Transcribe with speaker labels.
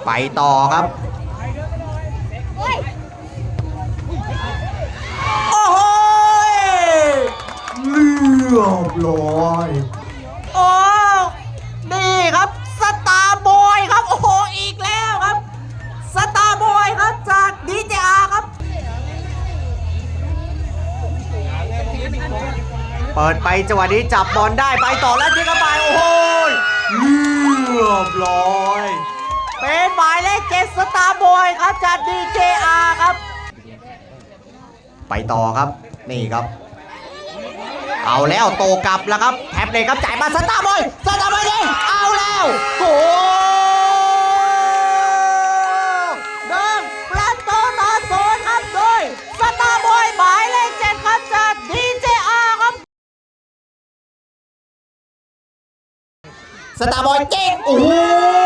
Speaker 1: ไปต่อครับโอ้โหเรียบร้อยโอ้นี่ครับสตาร์บอยครับโอ้โหอีกแล้วครับสตาร์บอยครับจากดีเจอาร์ครับเปิดไปจังหวะนี้จับบอลได้ไปต่อแล้วยิงเข้าไปโอ้โหเรียบร้อยเป็นหมายเลข7สตาร์บอยครับจากดีเจอาร์ครับไปต่อครับนี่ครับเอาแล้วโตกลับแล้วครับแท็บเลยครับจ่ายมาสตาร์บอยยิงเอาแล้วโกเดินประตูต่อศูนย์ครับโดยสตาร์บอยหมายเลข7ครับจากดีเจอาร์ครับสตาร์บอยเก่งโอ้